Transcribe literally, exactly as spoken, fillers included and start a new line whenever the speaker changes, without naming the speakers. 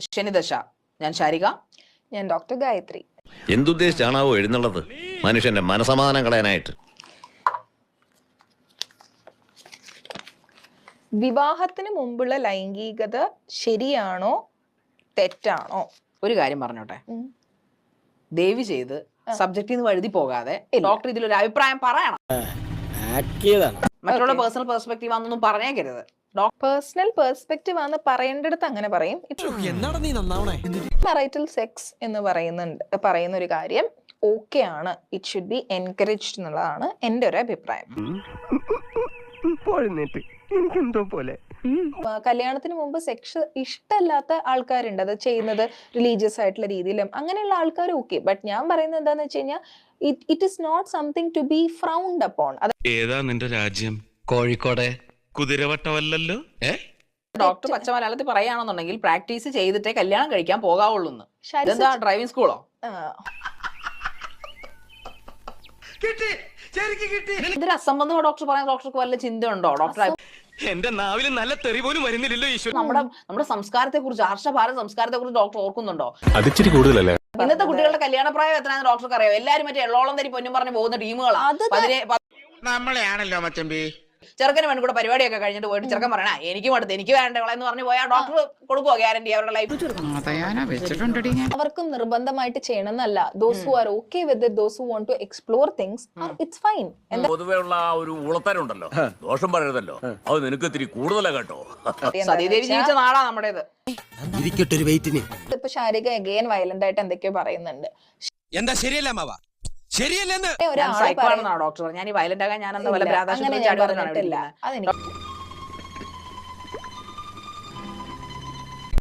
ശനിദശ. ഞാൻ ശാരിക.
ഞാൻ ഡോക്ടർ ഗായത്രി.
എന്തുദ്ദേശിച്ചാണാവോ എഴുന്നള്ളത് മനുഷ്യന്റെ മനസമാധാനം കളയാനായിട്ട്?
വിവാഹത്തിന് മുമ്പുള്ള ലൈംഗികത ശരിയാണോ തെറ്റാണോ?
ഒരു കാര്യം പറഞ്ഞോട്ടെ, ദയവ് ചെയ്ത് സബ്ജക്റ്റിൽ നിന്ന് വഴുതി പോകാതെ ഡോക്ടർ ഇതിലൊരു അഭിപ്രായം പറയണം. മറ്റുള്ള പേഴ്സണൽ പെർസ്പെക്റ്റീവ് ആണെന്നൊന്നും പറഞ്ഞേക്കരുത്.
പേഴ്സണൽ പെർസ്പെക്റ്റീവ് ആണ് പറയേണ്ടടുത്ത് അങ്ങനെ പറയും. മറൈറ്റൽ സെക്സ് എന്ന് പറയുന്നുണ്ട് പറയുന്ന ഒരു കാര്യം ഓക്കെ ആണ്, ഇറ്റ് ഷുഡ് ബി എൻകറേജ്ഡ് എന്നുള്ളതാണ് എൻ്റെ ഒരു അഭിപ്രായം. കല്യാണത്തിന് മുമ്പ് സെക്സ് ഇഷ്ടമല്ലാത്ത ആൾക്കാരുണ്ട്, അത് ചെയ്യുന്നത് റിലീജിയസ് ആയിട്ടുള്ള രീതിയിലും അങ്ങനെയുള്ള ആൾക്കാർ ഓക്കെ. ബട്ട് ഞാൻ പറയുന്നത് എന്താന്ന് വെച്ച് കഴിഞ്ഞാൽ it is not something to be frowned upon.
ഏതാ നിന്റെ രാജ്യം? കോഴിക്കോട് കുതിരവട്ടമല്ലല്ലോ.
ഡോക്ടർ പച്ച മലയാളത്തിൽ പറയുകയാണെന്നുണ്ടെങ്കിൽ പ്രാക്ടീസ് ചെയ്തിട്ടേ കല്യാണം കഴിക്കാൻ പോകാവുള്ളൂ. ഇതെന്താ ഡ്രൈവിംഗ് സ്കൂളോ? ഇതൊരു അസംബന്ധമോ ഡോക്ടർ പറയാൻ ഡോക്ടർക്ക് വല്ല ചിന്ത ഉണ്ടോ? ഡോക്ടർ
എന്റെ നാവിൽ നല്ല തെറി പോലും വരുന്നില്ലല്ലോ ഈശ്വരൻ.
നമ്മുടെ നമ്മുടെ സംസ്കാരത്തെ കുറിച്ച്, ആർഷ ഭാരത സംസ്കാരത്തെ കുറിച്ച് ഡോക്ടർ ഓർക്കുന്നുണ്ടോ?
അതിച്ചിരി കൂടുതലല്ലേ?
ഇന്നത്തെ കുട്ടികളുടെ കല്യാണ പ്രായം എത്രയാണെന്ന് ഡോക്ടർക്ക് അറിയാം. എല്ലാരും മറ്റേ എള്ളോളം തരി പൊന്നും പറഞ്ഞ് പോകുന്ന ടീമുകളാണ്.
നമ്മളെയാണല്ലോ മച്ചമ്പി.
ചെറുക്കന് വേണ്ടി കൂടെ പരിപാടിയൊക്കെ കഴിഞ്ഞിട്ട് പോയിട്ട് ചെറുക്കൻ പറയണ എനിക്കും അടുത്ത് എനിക്ക് വേണ്ടവളെന്ന് പറഞ്ഞു പോയാൽ ഡോക്ടർ കൊടുക്കുവോ ഗ്യാരണ്ടി അവരുടെ ലൈഫ്?
അവർക്കും നിർബന്ധമായിട്ട് ചെയ്യണമെന്നല്ല. Those who are okay with it, those who want to explore things, it's fine.
പൊതുവേ ഉള്ള ആ ഒരു ഉളത്തരുണ്ടല്ലോ, ദോഷം പറയരുതല്ലോ, അത് നിനക്ക് ഇത്തിരി കൂടുതലാ കേട്ടോ.
സതീദേവി ജീവിച്ച നാടാ നമ്മുടേത്.
ഇപ്പൊ ശാരിക അഗെയിൻ വയലന്റ് ആയിട്ട് എന്തൊക്കെയോ പറയുന്നുണ്ട്.
എന്താ ശരിയല്ല മാവ? ശരിയല്ലെന്ന്
ഡോക്ടർ ഞാൻ ഈ വയലന്റ് ആകാൻ ഞാൻ എന്താ വല്ല
അങ്ങനെ ഞാൻ പറഞ്ഞിട്ടില്ല. അതെനിക്ക്